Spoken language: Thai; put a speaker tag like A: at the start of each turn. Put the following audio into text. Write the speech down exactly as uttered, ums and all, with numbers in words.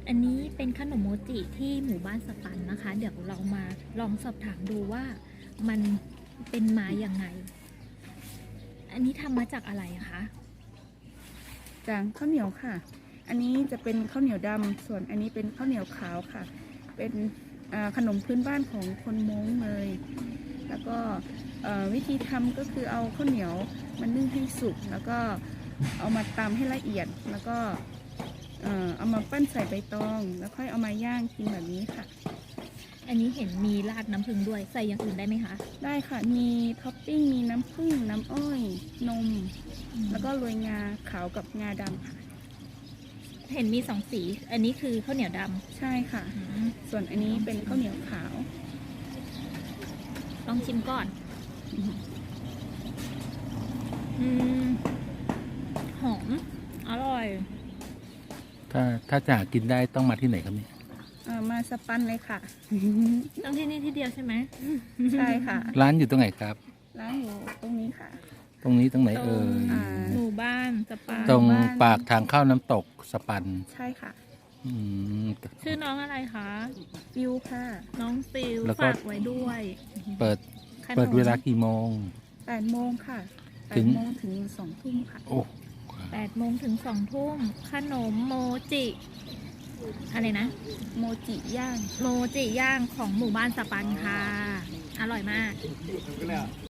A: อันนี้เป็นขนมโมจิที่หมู่บ้านสปันนะคะ เดี๋ยวเรามาลองสอบถามดูว่ามันเป็นมาอย่างไง อันนี้ทำมาจากอะไรอะคะ
B: จากข้าวเหนียวค่ะ อันนี้จะเป็นข้าวเหนียวดำส่วนอันนี้เป็นข้าวเหนียวขาวค่ะ เป็นอ่าขนมพื้นบ้านของคนม้งเลย แล้วก็เอ่อวิธีทำก็คือเอาข้าวเหนียวมันนึ่งให้สุก แล้วก็เอามาตำให้ละเอียด แล้วก็เอ่อเอามาปั้นใส่ใบตอง แล้วค่อยเอามาย่างกินแบบนี้ค่ะ
A: อันนี้เห็นมีราดน้ำผึ้งด้วย ใส่อย่างอื่นได้ไหมคะ
B: ได้ค่ะ มีท็อปปิ้ง มีน้ำผึ้ง น้ำอ้อย นม แล้วก็โรยงาขาวกับงาดำค่ะ
A: เห็นมีสองสี อันนี้คือข้าวเหนียวด
B: ใช่ค่ะ
A: ำอืม
B: ส่วนอันนี้เป็นข้าวเหนียวขาว
A: ลองชิมก่อน อืม หอม อร่อย
C: ถ้าถ้าจะหากินได้ต้องมาที่ไหนครับเนี่ย
B: เอ่อมาสปันเลยค่ะ
A: ต้องที่นี่ที่เดียวใช่ไหม
B: ใช่ค่ะ
C: ร้านอยู่ตรงไหนครับ
B: ร้านอยู่ตรงนี้ค่ะ
C: ตรงนี้ตรงไหน
A: ตร
C: เอ่
A: ง
C: ย
B: อ่า
A: หมู่บ้านสปา
C: ตรง
B: บ้าน
C: ปากทางเข้าน้ำตกสปัน
B: ใช่ค่ะ
C: อืม
A: ชื่อน้องอะไรคะ
B: ฟิวค่ะ
A: น้องฟิล
C: แล้วก็
A: ฝากไว้ด้วย
C: เปิด
A: ขนม
C: เปิดเวลากี่โมง
B: แปดโมงค่ะแป
C: ถึ
B: ด
C: ง
B: โมงถึงสองทุ่มค่ะ
C: โอ้
A: แปดโมงถึงสองทุ่ม ขนมโมจิ อะไรนะ
B: โมจิย่าง
A: โมจิย่างของหมู่บ้านสปันค่ะ อร่อยมาก